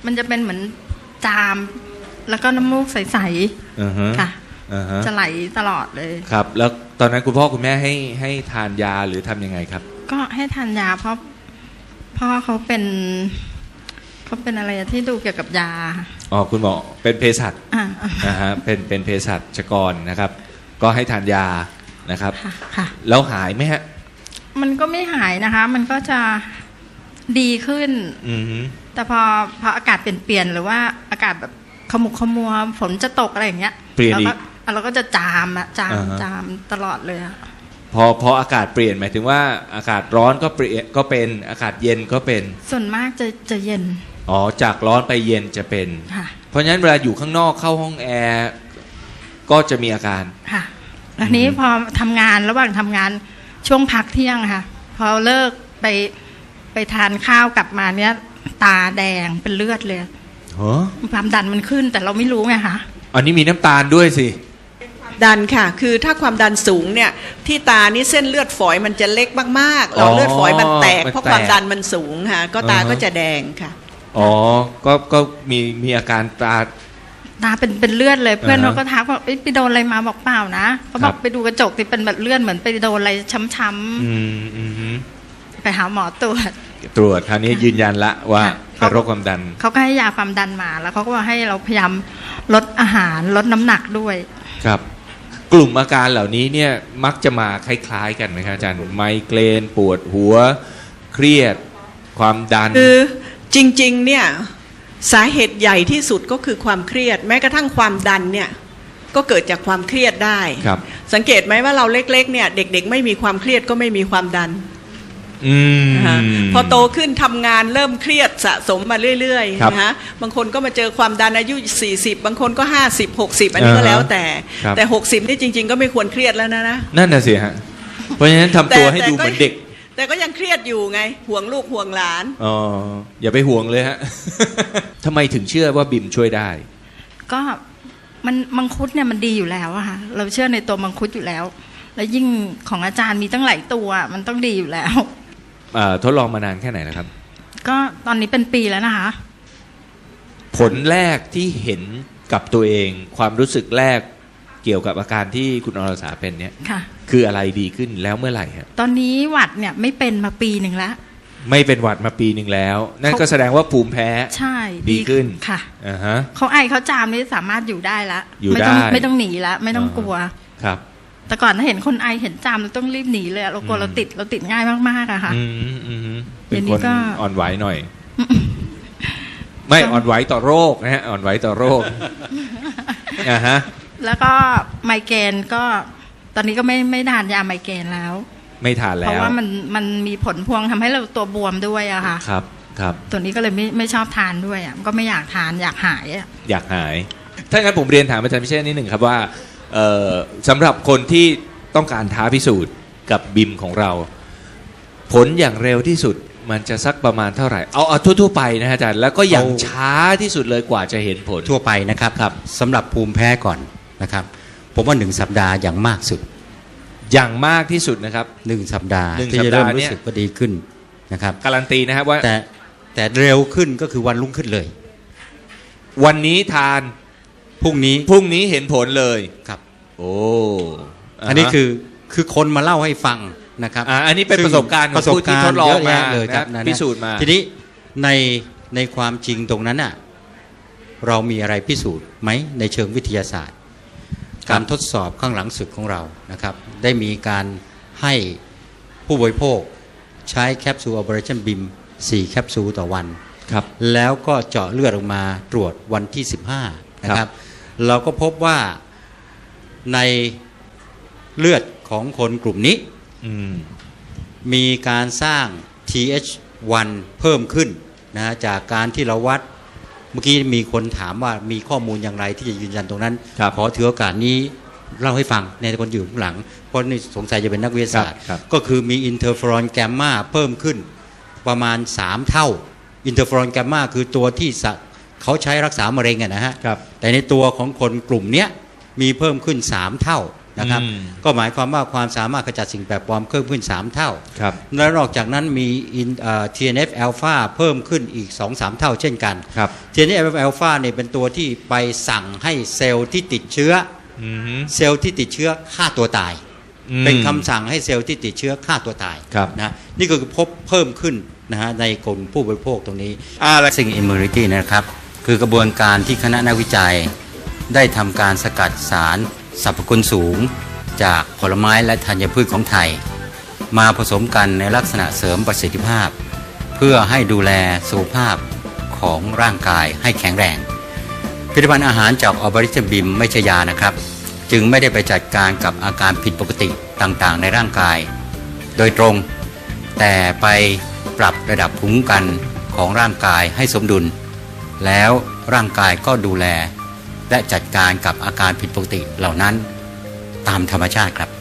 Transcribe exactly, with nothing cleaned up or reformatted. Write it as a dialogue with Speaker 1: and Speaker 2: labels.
Speaker 1: มันจะเป็นเหมือนจามแล้วก็น้ำมูกใสๆค่ะจะไหลตลอดเลย
Speaker 2: ครับแล้วตอนนั้นคุณพ่อคุณแม่ให้ให้ทานยาหรือทำยังไงครับ
Speaker 1: ก็ให้ทานยาเพราะพ่อเขาเป็นเขาเป็นอะไรที่ดูเกี่ยวกับยา
Speaker 2: อ๋อคุณหมอเป็นเภสัชนะฮะเป็นเป็นเภสัชกรนะครับก็ให้ทานยานะครับ
Speaker 1: ค่ะ
Speaker 2: แล้วหายไหมฮะ
Speaker 1: มันก็ไม่หายนะคะมันก็จะดีขึ้นแต่พอพออากาศเปลี่ยนๆหรือว่าอากาศแบบขมุกขมัวฝนจะตกอะไรอย่างเงี้ย
Speaker 2: เปลี่ยนอีก
Speaker 1: เราก็จะจามอะจามจามตลอดเลยอะ
Speaker 2: พอพออากาศเปลี่ยนหมายถึงว่าอากาศร้อนก็เปลี่ยนก็เป็นอากาศเย็นก็เป็น
Speaker 1: ส่วนมากจะจะเย็น
Speaker 2: อ๋อจากร้อนไปเย็นจะเป็นเพราะฉะนั้นเวลาอยู่ข้างนอกเข้าห้องแอร์ก็จะมีอาการ
Speaker 1: ค่ะแล้วนี้พอทำงานระหว่างทำงานช่วงพักเที่ยงค่ะพอเลิกไปไปทานข้าวกลับมาเนี้ยตาแดงเป็นเลือดเลยความดันมันขึ้นแต่เราไม่รู้ไงคะ
Speaker 2: อันนี้มีน้ำตาลด้วยสิ
Speaker 3: ดันค่ะคือถ้าความดันสูงเนี่ยที่ตานี่เส้นเลือดฝอยมันจะเล็กมากๆหลอดเลือดฝอยมันแตกเพราะความดันมันสูงค่ะก็ตาก็จะแดงค่ะ
Speaker 2: อ๋อก็ก็มีมีอาการตา
Speaker 1: ตาเป็นเป็นเลือดเลยเพื่อนเขาก็ทักว่าไปโดนอะไรมาบอกเปล่านะเขาบอกไปดูกระจกที่เป็นแบบเลือดเหมือนไปโดนอะไรช้ำๆไปหาหมอตรวจ
Speaker 2: ตรวจคราวนี้ยืนยันละว่าเป็นโรคความดัน
Speaker 1: เขาก็ให้ยาความดันมาแล้วเขาก็ว่าให้เราพยายามลดอาหารลดน้ำหนักด้วย
Speaker 2: ครับกลุ่มอาการเหล่านี้เนี่ยมักจะมาคล้ายๆกันไหมครับอาจารย์ไมเกรนปวดหัวเครียดความดัน
Speaker 3: คือจริงๆเนี่ยสาเหตุใหญ่ที่สุดก็คือความเครียดแม้กระทั่งความดันเนี่ยก็เกิดจากความเครียดได้สังเกตไหมว่าเราเล็กๆเนี่ยเด็กๆไม่มีความเครียดก็ไม่มีความดันพอโตขึ้นทำงานเริ่มเครียดสะสมมาเรื่อยๆนะฮะบางคนก็มาเจอความดันอายุสี่สิบบางคนก็ห้าสิบ หกสิบอันนี้ก็แล้วแต่แต่หกสิบนี่จริงๆก็ไม่ควรเครียดแล้วนะนะ
Speaker 2: นั่นน่ะสิฮะเพราะฉะนั้นทำตัวให้ดูเหมือนเด็ก
Speaker 3: แต่ก็ยังเครียดอยู่ไงห่วงลูกห่วงหลาน
Speaker 2: อ๋ออย่าไปห่วงเลยฮะทำไมถึงเชื่อว่าบิมช่วยได้
Speaker 1: ก็มันมังคุดเนี่ยมันดีอยู่แล้วอะค่ะเราเชื่อในตัวมังคุดอยู่แล้วแล้วยิ่งของอาจารย์มีตั้งหลายตัวมันต้องดีอยู่แล้ว
Speaker 2: ทดลองมานานแค่ไหนแล้วครับ
Speaker 1: ก็ตอนนี้เป็นปีแล้วนะคะ
Speaker 2: ผลแรกที่เห็นกับตัวเองความรู้สึกแรกเกี่ยวกับอาการที่คุณอรสาเป็นเนี่ยคืออะไรดีขึ้นแล้วเมื่อไหร่ครับ
Speaker 1: ตอนนี้หวัดเนี่ยไม่เป็นมาปีหนึ่งแล้ว
Speaker 2: ไม่เป็นหวัดมาปีหนึ่งแล้วนั่นก็แสดงว่าภูมิแพ้
Speaker 1: ใช่
Speaker 2: ดีขึ้น
Speaker 1: ค่ะ
Speaker 2: อ่าฮะ
Speaker 1: เขาไอเขาจามนี่สามารถอยู่ได้ละ
Speaker 2: อยู่ได้
Speaker 1: ไม่ต้องหนีละไม่ต้องกลัว
Speaker 2: ครับ
Speaker 1: แต่ก่อนถ้าเห็นคนไอเห็นจามเราต้องรีบหนีเลยเรากลัวเราติดเราติดง่ายมากๆอะค่ะ
Speaker 2: เป็นคนอ่อนไหวหน่อยไม่อ่อนไหวต่อโรคนะฮะอ่อนไหวต่อโรคอ่าฮะ
Speaker 1: แล้วก็ไมเกรนก็ตอนนี้ก็ไม่ไม่ทานยาไมเกรนแล้ว
Speaker 2: ไม่ทานแล้ว
Speaker 1: เพราะว่ามันมันมีผลพวงทำให้เราตัวบวมด้วยอะค่ะ
Speaker 2: ครับครับ
Speaker 1: ตัวนี้ก็เลยไม่ไม่ชอบทานด้วยอะก็ไม่อยากทานอยากหายอะ
Speaker 2: อยากหายถ้างั้นผมเรียนถามอาจารย์พิเชษนิดหนึ่งครับว่าสำหรับคนที่ต้องการท้าพิสูจน์กับบิมของเราผลอย่างเร็วที่สุดมันจะสักประมาณเท่าไหร่เอาเอาทั่วๆไปนะอาจารย์แล้วก็อย่างช้าที่สุดเลยกว่าจะเห็นผล
Speaker 4: ทั่วไปนะครับครับสำหรับภูมิแพ้ก่อนนะครับผมว่าหนึ่งสัปดาห์อย่างมากสุด
Speaker 2: อย่างมากที่สุดนะครับ
Speaker 4: หนึ่งสัปดาห์ที่จะเริ่มรู้สึกว่าดีขึ้นนะครับ
Speaker 2: การันตีนะครับว่า
Speaker 4: แต่แต่เร็วขึ้นก็คือวันรุ่งขึ้นเลย
Speaker 2: วันนี้ทาน
Speaker 4: พรุ่งนี้
Speaker 2: พรุ่งนี้เห็นผลเลย
Speaker 4: ครับ
Speaker 2: โอ้
Speaker 4: อันนี้คือคือคนมาเล่าให้ฟังนะครับ
Speaker 2: อันนี้เป็นประสบการณ์ของผู้ที่ทดลองมา
Speaker 4: เลยครับ
Speaker 2: พิสูจน์มา
Speaker 4: ทีนี้ในในความจริงตรงนั้นอ่ะเรามีอะไรพิสูจน์ไหมในเชิงวิทยาศาสตร์การทดสอบข้างหลังสุดของเรานะครับได้มีการให้ผู้บริโภคใช้แคปซูล Operation บี ไอ เอ็ม สี่แคปซูลต่อวัน
Speaker 2: ครับ
Speaker 4: แล้วก็เจาะเลือดออกมาตรวจวันที่สิบห้านะครับเราก็พบว่าในเลือดของคนกลุ่มนี้มีการสร้าง ที เอช วัน เพิ่มขึ้นนะจากการที่เราวัดเมื่อกี้มีคนถามว่ามีข้อมูลอย่างไรที่จะยืนยันตรงนั้นขอถือโอกาสนี้เล่าให้ฟังในคนอยู่ข้างหลังเพราะนี่สงสัยจะเป็นนักวิทยาศาสตร์ก็คือมีอินเทอร์เฟอรอนแกมมาเพิ่มขึ้นประมาณสามเท่าอินเทอร์เฟอรอนแกมมาคือตัวที่เขาใช้รักษามะเร็งอะนะฮะแต่ในตัวของคนกลุ่มนี้มีเพิ่มขึ้นสามเท่านะครับก็หมายความว่าความสามารถขจัดสิ่งแปลกปลอมเพิ่มขึ้นสามเท่าและนอกจากนั้นมี ที เอ็น เอฟ อลฟา เพิ่มขึ้นอีก สองถึงสาม เท่าเช่นกัน ที เอ็น เอฟ อลฟาเนี่ยเป็นตัวที่ไปสั่งให้เซลล์ที่ติดเชื้อเซลล์ที่ติดเชื้อฆ่าตัวตายเป็นคำสั่งให้เซลล์ที่ติดเชื้อฆ่าตัวตายนะนี่ก็คือพบเพิ่มขึ้นนะฮะในกลุ่มผู้บริโภคตรงนี้สิ่ง immunity นะครับคือกระบวนการที่คณะนักวิจัยได้ทำการสกัดสารสรรพคุณสูงจากผลไม้และธัญพืชของไทยมาผสมกันในลักษณะเสริมประสิทธิภาพเพื่อให้ดูแลสุขภาพของร่างกายให้แข็งแรงผลิตภัณฑ์อาหารจากออบริชบิมไม่ใช่ยานะครับจึงไม่ได้ไปจัดการกับอาการผิดปกติต่างๆในร่างกายโดยตรงแต่ไปปรับระดับภูมิคุ้มกันของร่างกายให้สมดุลแล้วร่างกายก็ดูแลและจัดการกับอาการผิดปกติเหล่านั้นตามธรรมชาติครับ